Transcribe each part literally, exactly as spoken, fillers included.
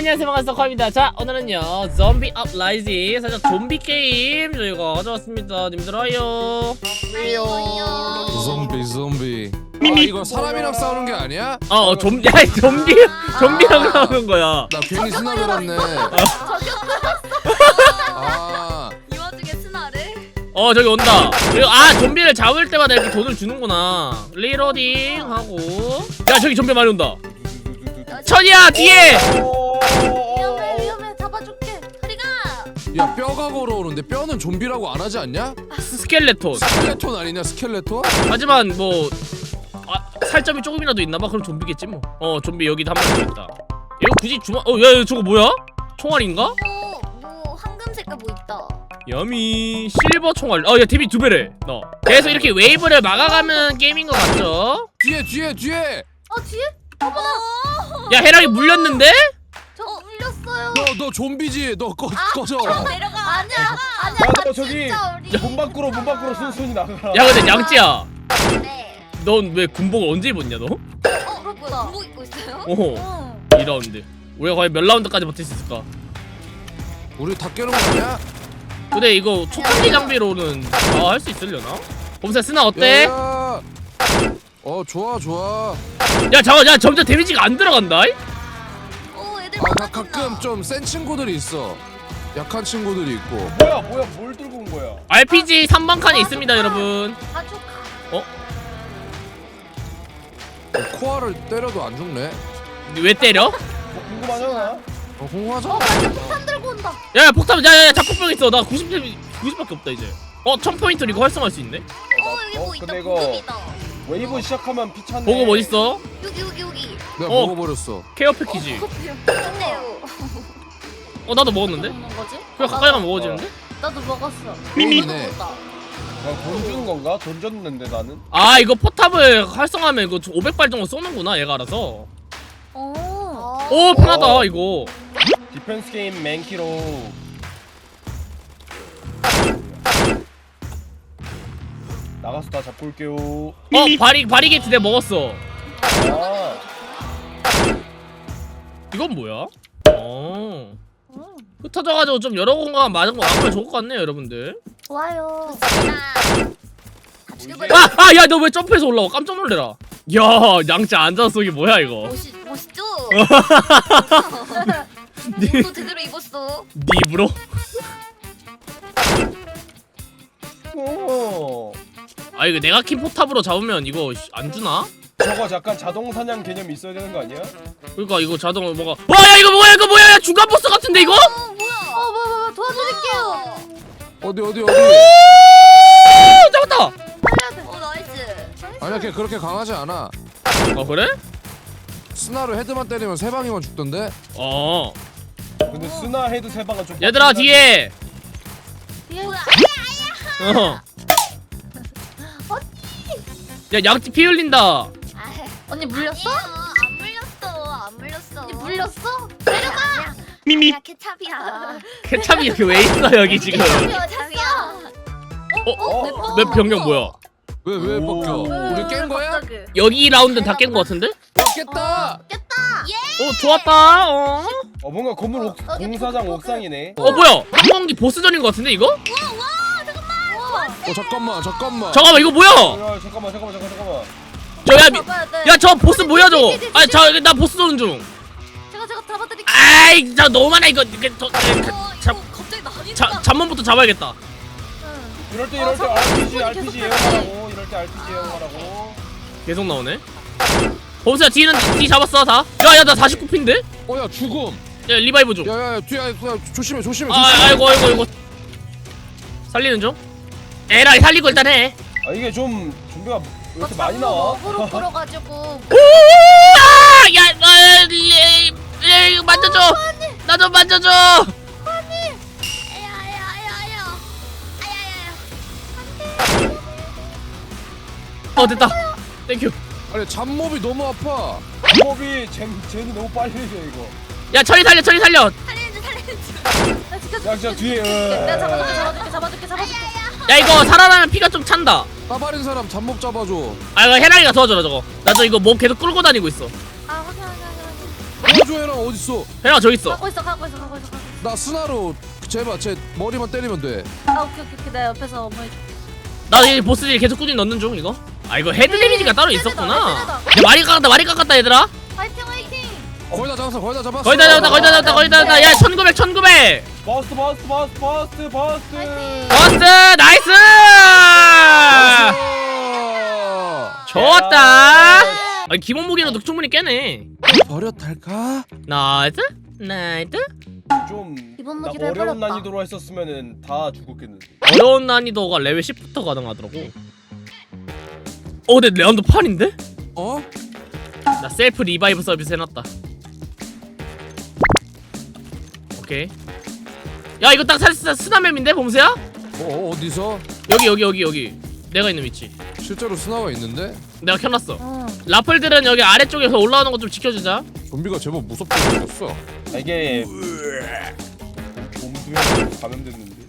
안녕하세요, 반갑습니다. 커입니다. 자, 오늘은요 좀비 업라이징 살짝 좀비 게임 저희가 가져왔습니다. 님들 와요. 왜요? 좀비 좀비. 아 이거 사람이랑 싸우는 게 아니야? 어, 어 좀, 야, 좀비, 좀비랑 나오는 거야. 나 괜히 스나 들었네. 아 이 와중에 스나를? 어, 저기 온다. 그리고 아, 좀비를 잡을 때마다 이렇게 돈을 주는구나. 리로딩 하고. 야, 저기 좀비 많이 온다. 천이야, 뒤에. 위험해 위험해 잡아줄게. 소리가. 야 뼈가 걸어오는데 뼈는 좀비라고 안 하지 않냐? 스켈레톤. 스켈레톤 아니냐 스켈레톤? 하지만 뭐 아, 살점이 조금이라도 있나봐. 그럼 좀비겠지 뭐. 어, 좀비 여기도 한 명 있다. 이거 굳이 주마. 어, 야, 야, 저거 뭐야? 총알인가? 어, 뭐 황금 색깔 뭐 있다. 야미 실버 총알. 어, 야, 데뷔 두 배래. 너. 계속 이렇게 웨이브를 막아가는 게임인 것 같죠? 뒤에 뒤에 뒤에. 어 뒤에? 어머나. 야, 해랑이 물렸는데? 저 물렸어요. 너 너 좀비지? 너 꺼, 꺼져. 내려가. 아니야 아니야. 야, 나 너 저기 진짜 우리. 문 밖으로 문 밖으로 순순히 나가라. 야, 근데 양찌야. 네. 넌 왜 군복을 언제 입었냐 너? 어 그렇구나. 군복 입고 있어요? 어. 응. 이 라운드. 우리가 과연 몇 라운드까지 버틸 수 있을까? 우리 다 깨는 거 아니야? 근데 이거 초창기 장비로는 다 할 수 있으려나? 봄새 스나 어때? 야, 야. 어 좋아 좋아. 야, 잠깐, 야, 점점 데미지가 안 들어간다. 오 애들 아 나 많아진다. 가끔 좀 센 친구들이 있어. 약한 친구들이 있고. 뭐야 뭐야 뭘 들고 온 거야? 알피지 삼 번 칸에 있습니다, 여러분. 가족. 어? 어, 코알을 때려도 안 죽네. 왜 때려? 뭐 궁금하잖아. 어 공화자? 어 맞아 폭탄 들고 온다. 야, 야, 폭탄, 야, 야, 야, 잡폭병 있어. 나 구십, 구십밖에 없다 이제. 어, 천 포인트로 이거 활성화할 수 있네. 어 여기 뭐 있다. 근데 이거 보급이다. 웨이브 시작하면 피찬네. 보급 어딨어? 여기 여기 여기. 내가 어. 먹어버렸어. 케어 패키지. 근데요. 어, 나도 먹었는데? 먹는 거지? 그냥 가까이 가면 먹어지는데? 나도 먹었어. 미미. 나도 먹었다. 야, 돈 주는 건가? 돈 줬는데 나는. 아, 이거 포탑을 활성화하면 이거 오백 발 정도 쏘는구나, 얘가 알아서. 어. 오, 편하다 이거. 디펜스 게임 맨키로. 나가서 다 잡고 올게요. 어, 바리 바리게이트 내가 먹었어. 아, 이건 뭐야? 어. 흩어져가지고 좀 여러 공간 맞은 거 아무래도 좋을 것 같네요, 여러분들. 좋아요. 아, 아, 야, 너 왜 점프해서 올라와? 깜짝 놀래라. 야, 양자 앉아서 쏘기 뭐야 이거? 멋있 멋있죠? 니, 또 제대로 입었어. 니 입으로? 오. 아, 이거 내가 킨 포탑으로 잡으면 이거 안 주나? 저거 약간 자동 사냥 개념이 있어야 되는 거 아니야? 그러니까 이거 자동으로 뭐가? 와, 야, 이거 뭐야? 이거 뭐야? 야, 중간 보스 같은데 이거? 어 뭐야? 어 뭐 뭐 도와드릴게요. 어디 어디 어디? 오, 잡았다. 어 나이스. 아니야 걔 그렇게 강하지 않아. 어, 그래? 스나로 헤드만 때리면 세 방이면 죽던데. 어. 근데 스나 헤드 세 방은 좀. 얘들아 뒤에. 뭐야? 어. 야, 양치 피 흘린다. 언니 물렸어? 안 물렸어. 안 물렸어. 언니 물렸어? 내려가. 미미. 야 케찹이야. 케찹이 이렇게 왜 있어 여기 지금? 케찹이야. 어? 어? 맵 변경 뭐야? 왜 왜 오. 벗겨? 우리 깬 거야? 갑자기. 여기 라운드는 다 깬 거 같은데? 야 깼다. 어, 좋았다. 어. 어 뭔가 건물 옥, 여기 공사장 보급, 옥상이네. 어, 뭐야? 항공기 보스전인 거 같은데 이거? 어 잠깐만 잠깐만. 잠깐만, 이거 뭐야? 야 잠깐만 잠깐만 잠깐 잠깐만. 저야 미. 잡아야 돼. 야, 저 보스 뭐야 저거? 아, 저 나 보스 쏘는 중. 제가 제가 잡아드릴게요. 아이, 자 너무 많아 이거. 이게 저, 저, 어, 잡, 이거 갑자기 나뉘는다. 자, 잠만부터 잡아야겠다. 응. 이럴 때 어, 이럴 때 잠깐만, 알피지 손이 알피지 계속 애용하라고. 이럴 때 알피지 애용하라고. 계속 나오네. 범수야, 뒤는 뒤 잡았어 다. 야, 야, 나 사십구 피인데? 어야 죽음. 야, 리바이브 중. 야야야 뒤에 야, 조심해 조심해. 아, 조심해. 아이고, 아이고, 아이고. 살리는 중. 에라이, 살리고 일단 해. 아 이게 좀 좀비가 왜 이렇게 막 많이 장로 나와? 먹으러 끌어가지고. 아, 야, 아, 리, 리, 만져줘. 나 좀 만져줘. 아야야야야. 아야야야. 어, 됐다. 땡큐. 아니 잡몹이 너무 아파. 호흡이 젠 젠이 너무 빨리 돼 이거. 야, 철이 살려, 철이 살려. 살리는지 살리는지. 나 지켜줄게. 야, 진짜 뒤에, 지켜줄게. 어. 내가 잡아줄게 잡아줄게 잡아줄게 잡아줄게. 야, 이거 살아나면 피가 좀 찬다. 까발인 사람 잡몹 잡아줘. 아, 이거 해랑이가 도와줘라 저거. 나 저 이거 몸 계속 끌고 다니고 있어. 아 확인 확인 확인. 도와줘 해랑 어딨어? 해랑 저기 있어. 가고 있어 가고 있어 가고 있어 가고 있어. 나 스나로 제발 제 머리만 때리면 돼. 아 오케이 오케이 오케이. 내 옆에서 어머니. 나 이 보스딜 계속 꾸준히 넣는 중 이거. 아 이거 헤드 데미지가 따로 헤드다, 있었구나. 헤드다. 야 많이 깎았다 많이 깎았다 얘들아. 화이팅 화이팅. 거의 다 잡았어 거의 다 잡았어. 거의 다 잡았다 거의 다 잡았다 거의 다 잡았다. 야 천구백 천구백. 버스트 버스트 버스트 버스트 버스트. 화이팅. 버스 나이스. 좋았다. 아니 기본 무기로도 충분히 깨네. 버렸달까? 나이스 나이스. 좀 기본 나 무기를 어려운 해버렸다. 난이도로 했었으면은 다 죽었겠는데. 어려운 난이도가 레벨 십부터 가능하더라고. 어 근데 레안도 팔인데? 어? 나 셀프 리바이브 서비스 해놨다. 오케이. 야 이거 딱 사실 스나맵인데 봄새야? 어 어디서? 여기 여기 여기 여기 내가 있는 위치. 실제로 스나가 있는데? 내가 켜놨어. 어. 라플들은 여기 아래쪽에서 올라오는 거 좀 지켜주자. 좀비가 제법 무섭게 생겼어. 아, 이게 봄수에 감염됐는데.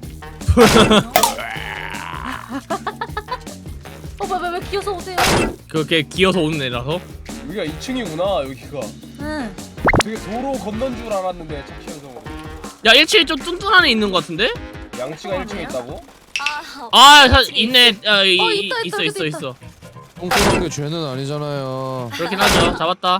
어 뭐야 왜 기어서 오세요? 그렇게 기어서 오는 애라서. 여기가 이 층이구나 여기가. 응. 되게 도로 건넌 줄 알았는데 착시현성으로. 야 일 층이 좀 뚱뚱한 애 있는 거 같은데? 양치가 일 층에 있다고? 아, 아 사, 있네. 아, 이, 어, 이, 있다, 있어 있다, 있어 있다. 있어. 똥똥한 게 죄는 아니잖아요. 그렇긴 하죠. 잡았다.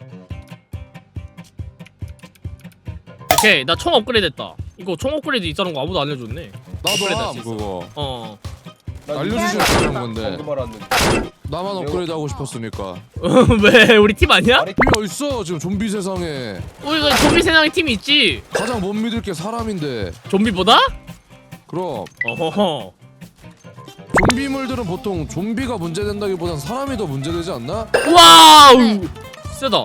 오케이 나 총 업그레이드 했다. 이거 총 업그레이드 있다는 거 아무도 안 알려줬네. 나도 업그레이드 함 할수 있어. 그거. 어. 난 알려주시면 되는 건데. 방금 알았는데. 나만 업그레이드 하고 싶었으니까. 왜 우리 팀 아니야? 아니 팀이 어딨어 지금 좀비 세상에. 우리가 좀비 세상에 팀이 있지. 가장 못 믿을 게 사람인데. 좀비보다? 그럼 어허허. 좀비물들은 보통 좀비가 문제된다기보단 사람이 더 문제되지 않나? 와우. 세다.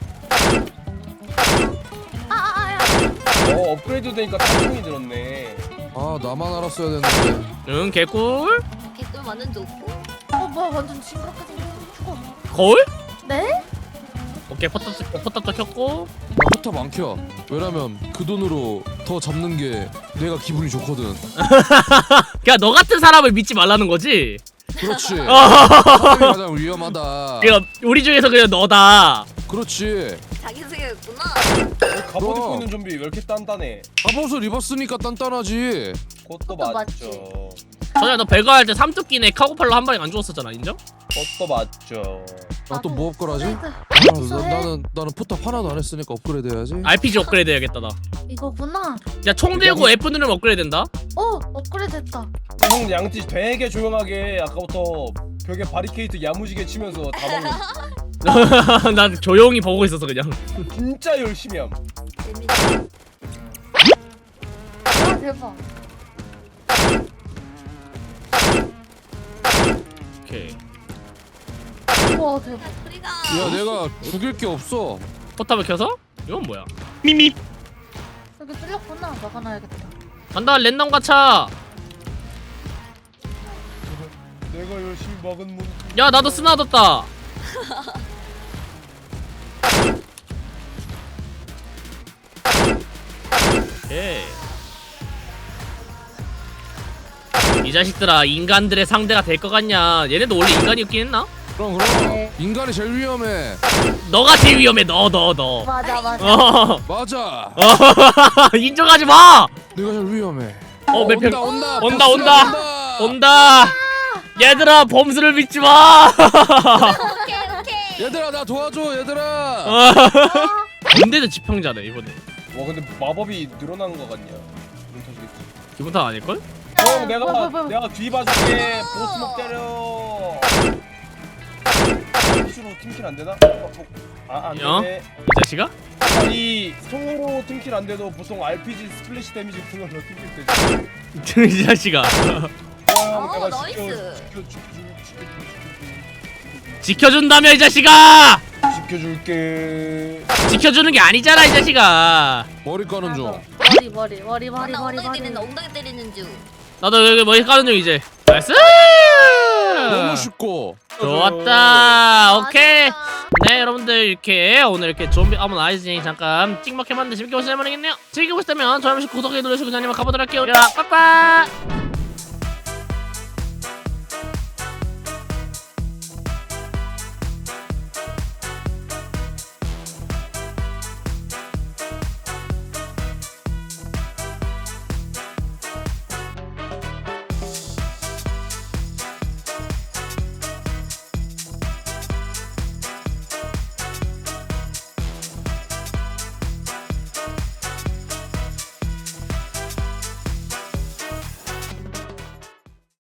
아아아야. 어 업그레이드 되니까 탄성이 들었네. 아 나만 알았어야 됐는데. 응 개꿀. 개꿀 완전 좋고. 어 뭐야 완전 징그럽게 생겼어. 죽어. 거울? 네? 오케이 포탑 포탑도 켰고. 나 포탑 안 켜. 왜냐면 그 돈으로 더 잡는 게 내가 기분이 좋거든. 그냥 너 같은 사람을 믿지 말라는 거지. 그렇지. 어. 사람이 가장 위험하다. 그러니까 우리 중에서 그냥 너다. 그렇지. 자기 소개였구나. 갑옷 그럼. 입고 있는 좀비 왜 이렇게 단단해? 갑옷을 입었으니까 단단하지. 그것도 그것도 맞죠. 전에 너 배가 할 때 삼뚝기네 카고팔로 한 방에 안 죽었었잖아. 인정? 그것도 맞죠. 나 또 뭐 업그라지? 업그레이드. 아, 있어, 나, 해. 나는 나는 포탑 하나도 안 했으니까 업그레이드 해야지. 알피지 업그레이드 해야겠다 나. 이거구나. 야 총 들고 F 누르면 업그레이드 된다. 어 업그레이드 됐다. 형 양치 되게 조용하게 아까부터 벽에 바리케이트 야무지게 치면서 다 먹는. 난 조용히 보고 있었어 그냥. 진짜 열심히 함. 재밌네. 아 대박. 오케이. 와 대박. 우리가 야 내가 죽일 게 없어. 포탑을 켜서? 이건 뭐야? 여기 뚫렸구나. 막아놔야겠다. 간다 랜덤 가차. 내가 열심히 먹은 문. 야 나도 스나 뒀다. 오케이. 이 자식들아 인간들의 상대가 될 것 같냐? 얘네도 원래 인간이었긴 했나? 그럼 그럼 네. 인간이 제일 위험해. 너가 제일 위험해 너 너 너. 맞아 맞아. 어. 맞아. 인정하지 마. 내가 제일 위험해. 어, 몇 온다 편- 온다 온다, 온다 온다. 온다. 얘들아 범수를 믿지 마. 오케이 오케이. 얘들아 나 도와줘 얘들아. 근데도 지평자네 이번에. 와 근데 마법이 늘어나는 거 같냐? 눈 터지겠지. 기분 탓 아닐걸? 형 내가 뭐야, 뭐야, 뭐야. 내가 뒤 봐줄게. 보스목 때려. 기수로 팀킬 안 되나? 어, 어. 아, 안 야? 되네. 이 자식아? 아니 총으로 팀킬 안 돼도 보통 알피지 스플래시 데미지 붙는 걸로 팀킬 되지. 이 자식아. 와, 형, 어, 내가 나이스. 지켜, 지켜, 지켜, 지켜, 지켜, 지켜준다며 이 자식아. 지켜줄게. 지켜주는 게 아니잖아 이 자식아. 머리 까는 중. 머리 머리 머리 머리 나 머리 엉덩이 머리. 때리는 엉덩이 때리는 중. 나도 여기 머리 까는 중 이제. 나이스. 너무 쉽고. 좋았다. 오케이. 맞아. 네 여러분들 이렇게 오늘 이렇게 좀비 아몬 아이즈니 잠깐 찍먹해봤는데 재밌게 보셨다면 모르겠네요. 즐기고 싶다면 좋아요, 구독해 눌러주시고 저희만 가보도록 할게요. 야 빠빠.